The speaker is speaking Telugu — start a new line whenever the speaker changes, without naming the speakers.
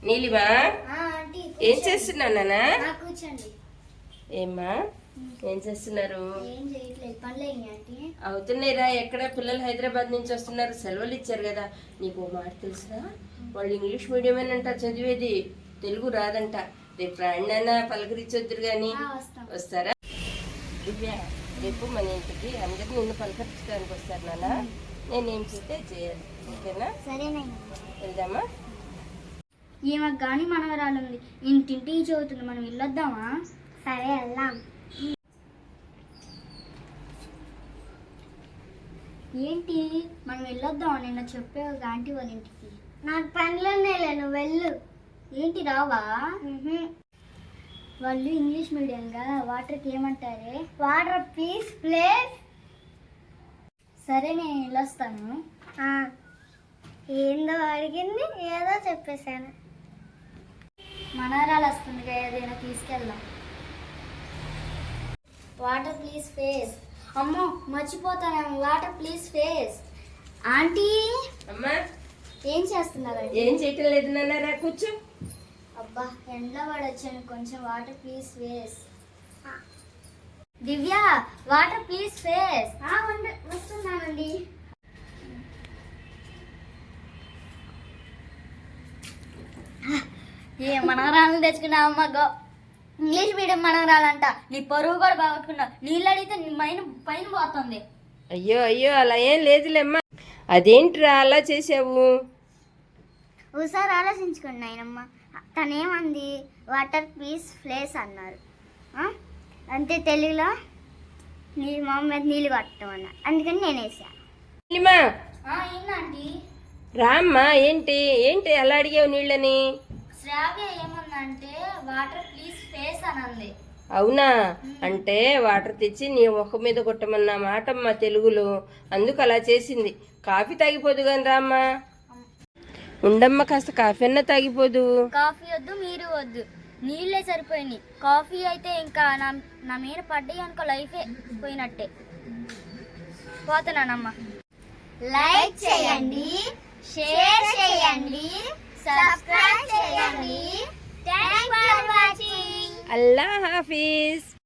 నీలిమా ఏం చేస్తున్నావు నాన్న?
కూర్చోండి.
ఏమ్మా ఏం చేస్తున్నారు?
ఏం చేయట్లేదు, పనులు ఆంటీ.
అవుతున్నాయిరా. ఎక్కడ పిల్లలు హైదరాబాద్ నుంచి వస్తున్నారు, సెలవులు ఇచ్చారు కదా. నీకు ఓ మాట తెలుసా? వాళ్ళు ఇంగ్లీష్ మీడియమేనంట చదివేది, తెలుగు రాదంట. రేపు రాండి పలకరించొద్దురు కానీ. వస్తారా? దివ్య, రేపు మన ఇంటికి అందరు నిన్ను పలకరించడానికి వస్తారు నాన్న. నేనేం చేస్తే చేయాలి, ఓకేనా?
సరేనండి,
వెళ్దామా?
ఈమెకు కానీ మనవరాలు ఉంది, ఇంటింటికి చదువుతుంది. మనం వెళ్ళొద్దామా? సరే వెళ్దాం. ఏంటి మనం వెళ్ళొద్దామా? నిన్న చెప్పావు ఆంటీ వాళ్ళ ఇంటికి. నాకు పనులున్నాయి, నువ్వు వెళ్ళు. ఏంటి రావా? వాళ్ళు ఇంగ్లీష్ మీడియంగా వాటర్కి ఏమంటారే? Water please place. సరే నేను వెళ్ళొస్తాను. ఏందో అడిగింది, ఏదో చెప్పేశాను. మనవరాలు వస్తుంది, ఏదైనా తీసుకెళ్దాం. Water please face. అమ్మో మర్చిపోతానేమో. Water please face. ఆంటీ
అమ్మా
ఏం చేస్తున్నారు?
ఏం చేయటం లేదు నాన్న, రా కూర్చో.
అబ్బా ఎండలో పడొచ్చాను, కొంచెం water please face. Divya water please face. వస్తున్నానండి. ఏ మనవరాలను తెచ్చుకున్నావమ్మా? ఇంగ్లీష్ మీడియం మనవరాలంట. నీ పరువు కూడా బాగొట్టుకున్నావు. నీళ్ళు అడిగితే నీ పైన పోతుంది.
అయ్యో అయ్యో, అలా ఏం లేదులేమ్మా. అదేంట్రా అలా చేసావు?
ఒకసారి ఆలోచించుకోండి నాయనమ్మ. తనేమంది? వాటర్ ప్లీజ్ ప్లేస్ అన్నారు. అంతే, తెలుగులో నీ మొహం మీద నీళ్ళు కొట్టడం అన్నారు. అందుకని నేను వేసాను. ఏంటండి?
రామ్మా. ఏంటి ఏంటి అలా అడిగావు నీళ్ళని?
శ్రావ్య ఏమందంటే వాటర్ ప్లీజ్ ఫేస్ అని అంది.
అవునా? అంటే వాటర్ తెచ్చి నీ ముఖం మీద కొట్టమన్న మాటమ్మా తెలుగులో. అందుకు అలా చేసింది. కాఫీ తాగిపోదు కానీ రామ్మా. ఉండమ్మా, కాస్త కాఫీ అన్నా తాగిపోదు.
కాఫీ వద్దు, మీరు వద్దు, నీళ్ళే సరిపోయినాయి. కాఫీ అయితే ఇంకా నా మీద పడ్డాయి అనుకో, లైఫే పోయినట్టే. పోతున్నానమ్మా. లైక్ చేయండి, షేర్ చేయండి, సబ్స్క్రైబ్ చేయండి. Thanks for watching.
అల్లా హాఫీజ్.